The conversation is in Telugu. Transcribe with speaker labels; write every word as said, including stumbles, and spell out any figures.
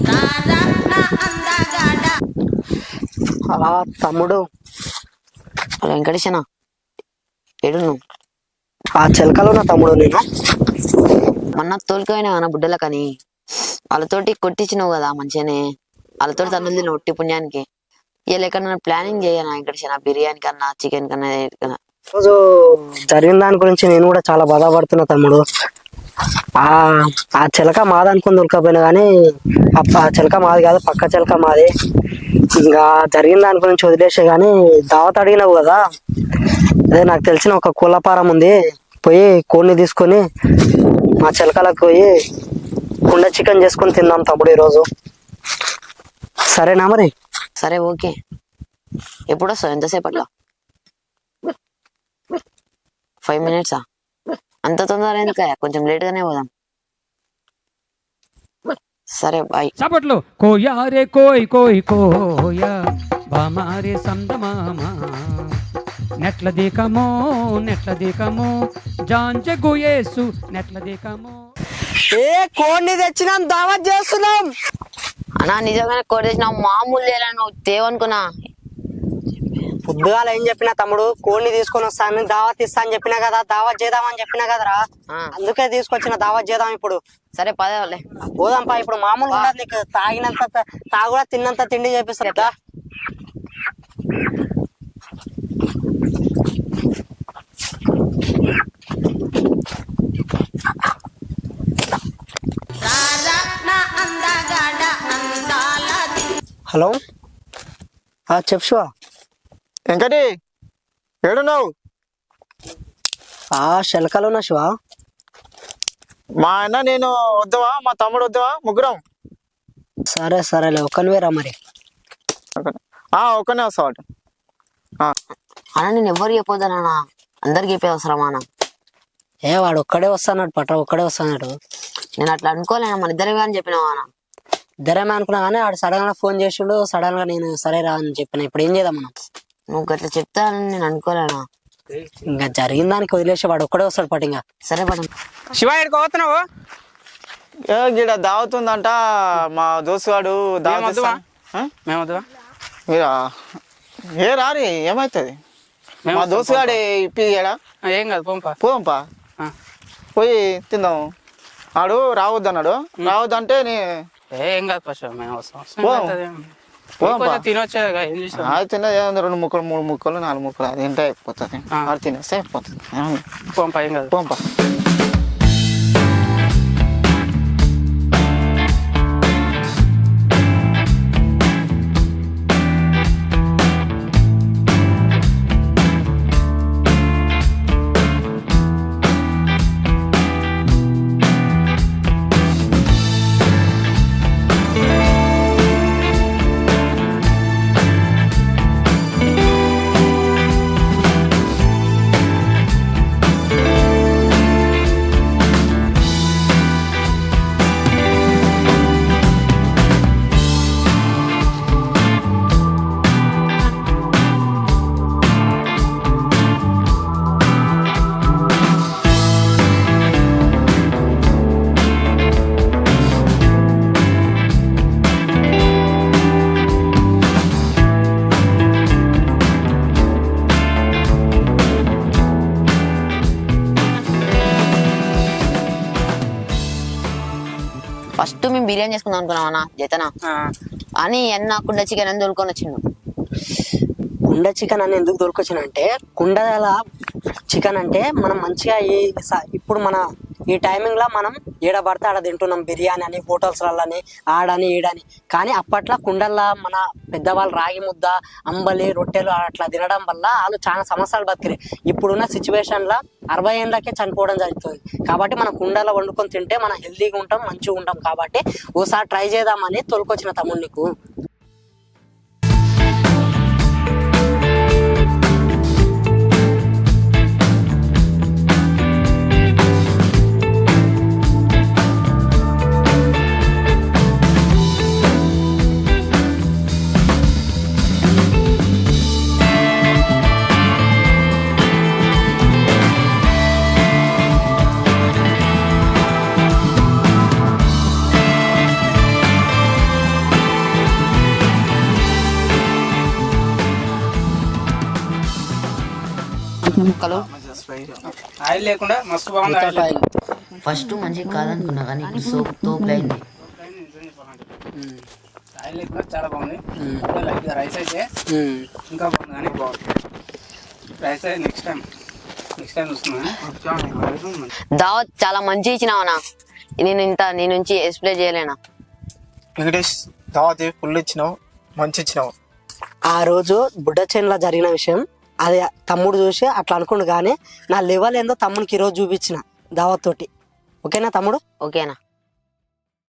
Speaker 1: అలా తమ్ముడు
Speaker 2: వెంకటేశనా ఏడు నువ్వు
Speaker 1: ఆ చిలకలో నా తమ్ముడు నేను
Speaker 2: మొన్న తోలుకపోయినా నా బుడ్డల కానీ వాళ్ళతోటి కొట్టించినావు కదా మంచిగానే వాళ్ళతోటి తన్నులు తిన్నావు ఒట్టి పుణ్యానికి ఇక ఎక్కడన్నా ప్లానింగ్ చేయనా వెంకటేశనా బిర్యానీ కన్నా చికెన్ కన్నా కన్నా
Speaker 1: రోజు జరిగిన దాని గురించి నేను కూడా చాలా బాధపడుతున్నా తమ్ముడు. ఆ ఆ చిలక మాది అనుకుని దొరకపోయినా కానీ ఆ చిలక మాది కాదు, పక్క చిలక మాది. ఇంకా జరిగిన దాని గురించి వదిలేసే కానీ దావత్ అడిగినావు కదా, అదే నాకు తెలిసిన ఒక కోళ్ళపారం ఉంది, పోయి కోడిని తీసుకొని మా చిలకలకు పోయి కుండ చికెన్ చేసుకొని తిందాం తమ్ముడు ఈరోజు. సరేనా మరి?
Speaker 2: సరే ఓకే. ఎప్పుడు వస్తావు? ఎంతసేపట్లో? ఫైవ్ మినిట్సా? అంత తొందర ఎందుక, కొంచెం లేట్ గానే పోదాం. సరే బాయ్.
Speaker 3: చప్పట్లు. కోయారే కోయ్ కోయ్ కోయ బామారే సందమామా నెట్ల దీకమో నెట్ల దీకమో జాంజ గుయేసు నెట్ల దీకమో.
Speaker 1: ఏ కోడిని తెచ్చినాం, దావత్ చేస్తున్నాం
Speaker 2: అన్నా. నిజంగానే కోడి తెచ్చినావు, మామూలు లేలా నువ్వు తేవనుకున్నా.
Speaker 1: పొద్దుగాల ఏం చెప్పినా తమ్ముడు, కోడిని తీసుకొని వస్తాను, దావత్ ఇస్తా అని చెప్పినా కదా, దావత్ చేద్దామని చెప్పినా కదరా, అందుకే తీసుకొచ్చిన దావత్ చేద్దాం ఇప్పుడు.
Speaker 2: సరే పదేవాళ్ళే
Speaker 1: పోదాంపా. ఇప్పుడు మామూలు ఉండదు నీకు, తాగినంత తాగుడా తిన్నంత తిండి చేపిస్తా కదా. హలో చెప్పు శివ.
Speaker 4: వెంకటి ఏడున్నావు?
Speaker 1: ఆ శిలకలో ఉన్నా శివ.
Speaker 4: మా అన్న నేను వద్దావా, మా తమ్ముడు వద్దావా, ముగ్గురం?
Speaker 1: సరే సరేలే, ఒక్కనివే రా మరి.
Speaker 4: ఒక్కనే వస్తావాట.
Speaker 2: అన్న నేను ఎవరు చెప్పొద్దనా, అందరికి చెప్పేది అవసరమా అన్న?
Speaker 1: ఏ వాడు ఒక్కడే వస్తాడు పట్ట, ఒక్కడే వస్తాడు.
Speaker 2: నేను అట్లా అనుకోలేనా, మన ఇద్దరే అని చెప్పినావా అన్న?
Speaker 1: ఇద్దరేమే అనుకున్నా కానీ వాడు సడన్ గా ఫోన్ చేసిండు, సడన్ గా నేను సరే రా అని చెప్పిన. ఇప్పుడు ఏం చేద్దాం మనం?
Speaker 2: నువ్వు అట్లా చెప్తానని నేను అనుకోలేనా.
Speaker 1: ఇంకా జరిగిన దానికి వదిలేసి వాడు ఒక్కడే వస్తాడు పట్టు. ఇంకా
Speaker 2: సరే పట్టు.
Speaker 3: శివ ఎక్కడికి పోతున్నావు?
Speaker 4: ఏ గిడ దావుతుందంట మా దోస్తుగాడు.
Speaker 3: మేమొద్దువా?
Speaker 4: మీరా ఏ రారి, ఏమవుతుంది? మా దోస్తుగాడే ఇప్పిడా.
Speaker 3: ఏం కాదు, పోంపా
Speaker 4: పోంపా, పోయి తిందాం. ఆడు రావద్దన్నాడు, రావద్దంటే నే
Speaker 3: ఏం కాదు ఫస్ట్ మేము వస్తాం. తినొచ్చా? ఏం చేసాం?
Speaker 4: అది తిన్నది ఏముంది, రెండు ముక్కలు మూడు ముక్కలు నాలుగు ముక్కలు అది తింటే అయిపోతుంది. అది తినేస్తే అయిపోతుంది.
Speaker 3: పోంపా, ఏం కాదు
Speaker 4: పోంపా.
Speaker 2: ఫస్ట్ మేము బిర్యానీ చేసుకుందాం అనుకున్నాం అన్న జతనా అని అన్న కుండ చికెన్ అని దొరుకుని వచ్చిండు.
Speaker 1: కుండ చికెన్ అని ఎందుకు దొరికొచ్చిన అంటే, కుండల చికెన్ అంటే మనం మంచిగా ఈ ఇప్పుడు మన ఈ టైమింగ్ లో మనం ఏడ పడితే ఆడ తింటున్నాం, బిర్యానీ అని హోటల్స్లని ఆడని ఈడని. కానీ అప్పట్లో కుండల్లో మన పెద్దవాళ్ళు రాగి ముద్ద, అంబలి, రొట్టెలు అట్లా తినడం వల్ల వాళ్ళు చాలా సంవత్సరాలు బతికిరు. ఇప్పుడున్న సిచ్యువేషన్ లో అరవై ఏళ్ళకే చనిపోవడం జరుగుతుంది. కాబట్టి మనం కుండలో వండుకొని తింటే మనం హెల్తీగా ఉంటాం, మంచిగా ఉంటాం. కాబట్టి ఓసారి ట్రై చేద్దామని తోలుకొచ్చిన తమ్ముడు నీకు.
Speaker 2: ముక్కలు
Speaker 3: ఆయిల్ లేకుండా మస్తు బాగుంది ఆయిల్
Speaker 1: ఆయిల్.
Speaker 2: ఫస్ట్ మంచిగా కాదనుకున్నా కానీ ఇప్పుడు సోప్ తోపులైంది.
Speaker 3: ఆయిల్ లేకుండా చాలా బాగుంది లైక్ రైస్ అయితే
Speaker 1: ఉమ్.
Speaker 3: ఇంకా బాగుంది కానీ రైస్ అయితే నెక్స్ట్ టైం నెక్స్ట్ టైం చూస్తున్నాను.
Speaker 2: దావత్ చాలా మంచి ఇచ్చినావనా, నేను ఇంత నీ నుంచి ఎక్స్ప్లెయిన్ చేయలేనా.
Speaker 4: వెంకటేష్ దావత్ ఫుల్ ఇచ్చినావు, మంచి ఇచ్చినావు.
Speaker 1: ఆ రోజు బుడ్డ చేనులో జరిగిన విషయం అది తమ్ముడు చూసి అట్లా అనుకుండు, కానీ నా లెవెల్ ఏందో తమ్మునికి ఈరోజు చూపించిన దావత్ తోటి. ఓకేనా తమ్ముడు?
Speaker 2: ఓకేనా?